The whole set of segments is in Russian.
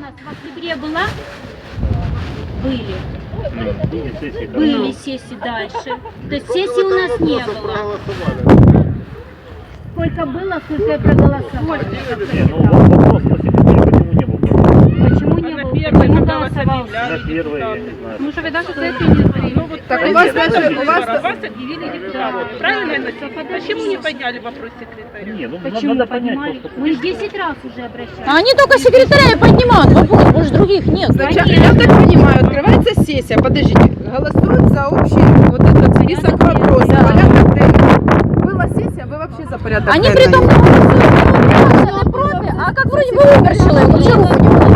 нас в октябре была? Были. Были сессии, да. Были сессии дальше. То есть сессии у нас не было. Сколько было, сколько я проголосовала. Не, ну вопрос по секретарю, почему не был? Почему не было? Почему голосовал? На первое, я не знаю. Ну, что вы даже сессии не приняли. Так у вас даже, у вас... Вас объявили депутатом. Правильно я написала? Почему не подняли вопрос секретаря? Не, ну Почему надо понять, поднимали? то, что... Мы 10 раз уже обращались. А они только секретаря и поднимают вопрос, больше других нет. Сначала, я так понимаю, открывается сессия, подождите, голосуют за общий вот этот список вопросов, порядок денный. Была сессия, вы вообще за порядок Они денный? при том голосуют против, а как вроде бы умер человек, ну чего вы не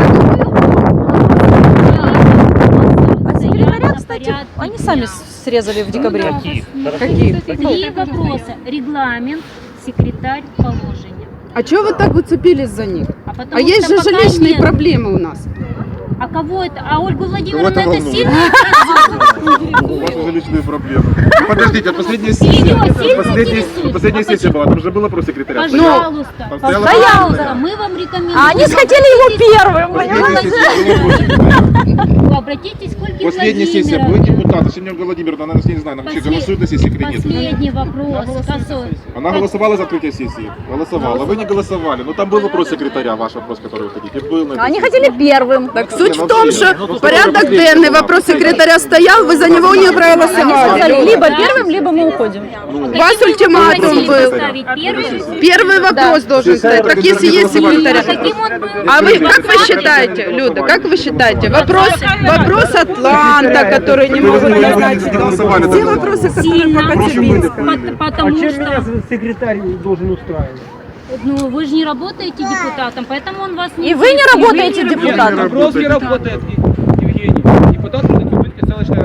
А секретаря, кстати, они сами срезали в декабре. Каких? Каких? Три вопроса. Регламент, секретарь, положение. А чего вы так уцепились за них? Потому А есть что же пока жилищные нет. проблемы у нас. А кого это? А Ольгу Владимировну это волнует? сильно? У вас уже личные проблемы. Подождите, последняя сессия. сильно Последняя сессия была, там же был вопрос секретаря. Пожалуйста. Там стояла Пожалуйста, мы вам рекомендуем. А они хотели его первым, Последняя понимаете? сессия была вопрос секретаря. Вы обратитесь к Ольге Последняя сессия, был Владимировне. депутат, Семен Владимировна, она, я не знаю, она вообще голосует на сессии или нет. Последний вопрос. Она голосовала за открытие сессии? Голосовала. Вы не голосовали. Но там был вопрос секретаря, ваш вопрос, который вы хотите. Был на этой Они сессии. хотели первым. Так суть в том, что порядок денный, вопрос секретаря стоял, вы за него не Они сказали, проголосовали. либо первым, либо мы уходим. У вас ультиматум был. Первый вопрос должен стоять. Так если есть секретаря. А вы, как вы считаете, Люда, как вы считаете? Вопрос Атланта, который не могут Вы признать. не голосовали. Те вопросы, которые по Коцюбинскому. Потому что, секретарь должен устраивать? ну, вы же не работаете депутатом, поэтому он вас не... И вы не работаете Нет, депутатом. Вопрос не работает, Евгений. Депутат Коцюбинской селищной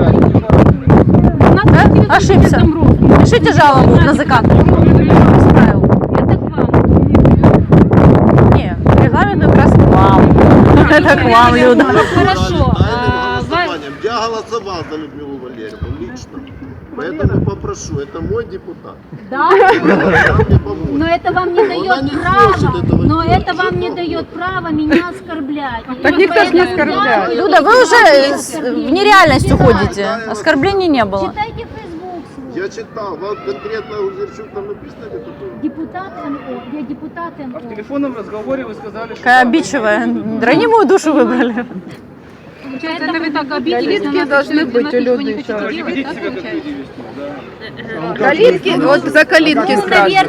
ради. Ошибся. Пишите жалобу на ЗК. Исправил. Это к вам. Не, регламент как раз к вам. Это к вам, Люда. Хорошо. Я голосовал за Людмилу Валерьевну лично, поэтому попрошу, это мой депутат. Да? Но это вам не дает права. Но это вам не дает права меня оскорблять. Так никто ж не оскорбляет. Люда, вы уже в нереальность уходите. Оскорблений не было. Читайте Facebook свой. Я читал, вот конкретно Узерчук там написано или кто-то? Депутат МО. Я депутат МО. В телефонном разговоре вы сказали, что... Какая обидчивая. Ранимую душу выбрали. Получается, это вы так обиделись на Калитки нас, должны что быть у ничего Люды не еще. хотите Не делать, ведите да, себя как получается? люди вести, да. Калитки, вот за калитки сразу.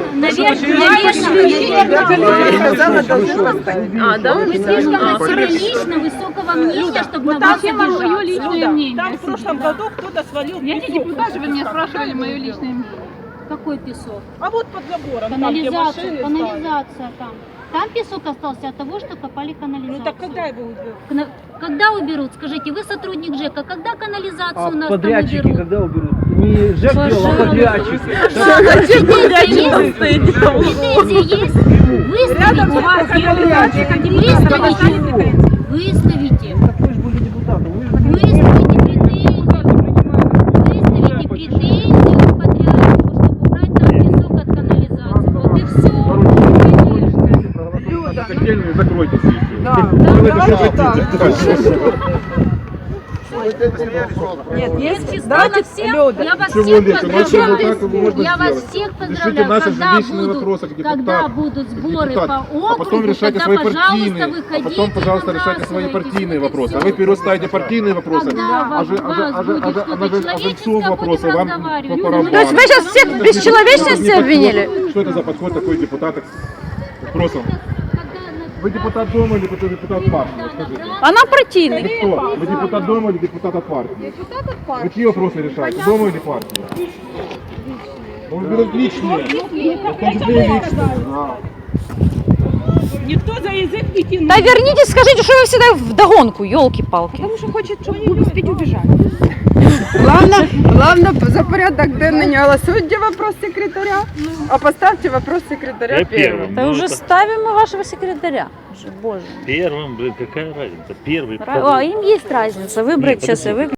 Наверное, Сказала, должны поставить. А, да? вы слишком лично высокого мнения, чтобы на вас обижаться. Там в прошлом году кто-то свалил. Я не депутат, вы меня спрашивали мое личное мнение. Какой песок? А вот под забором, там, где Канализация, машины канализация там. Там песок остался от того, что копали канализацию. Ну так когда его уберут? Когда уберут? Скажите, вы сотрудник ЖЭКа, когда канализацию А у нас подрядчики там уберут? когда уберут? Не ЖЭК делал, а подрядчик. Претензии есть? Выставите. Так вы же были депутатом. Вы же Выставите претензии к подрядчику, чтобы убрать там песок от канализации. Вот и все. Котельную закройте сессию. Да. Вы это что хотите? Нет, есть, Числа давайте, на всех, Люда. я вас Чего всех легче? Ну, а что, вот так поздравляю. можно Я вас сделать? всех Решите поздравляю. наши Когда жилищные вопросы, как депутат, когда будут сборы депутат, по округу, а потом решайте тогда, свои пожалуйста, партийные, выходите, а потом, пожалуйста, решайте свои набрасывайтесь. партийные Вот и вопросы. А всё. вы вперед ставите партийные вопросы, Когда а вас будет что-то человеческое, жильцов вопросы будем вам разговаривать. по барабану. То есть вы сейчас всех в бесчеловечности обвинили? Что это за подход такой депутата к вопросам? Вы депутат дома или депутат партии? Вот скажите. Она партийный. Вы кто? Вы депутат дома или депутат от партии? Депутат от партии. Вы чьи вопросы решаете? Дома или партии? Ну, вы берете личные. В том числе и личные. Да. Никто за язык не тянул. Да вернитесь, скажите, что вы всегда вдогонку, елки-палки. Потому что хочет, чтобы успеть убежать. Главное, за порядок денный не голосуйте вопрос секретаря, а поставьте вопрос секретаря Я первым. первым. Да Ну, уже это ставим мы вашего секретаря. Уже, боже. Первым, блин, какая разница? Первый. Им есть разница. Выбрать Нет, сейчас и подожди. выбрать.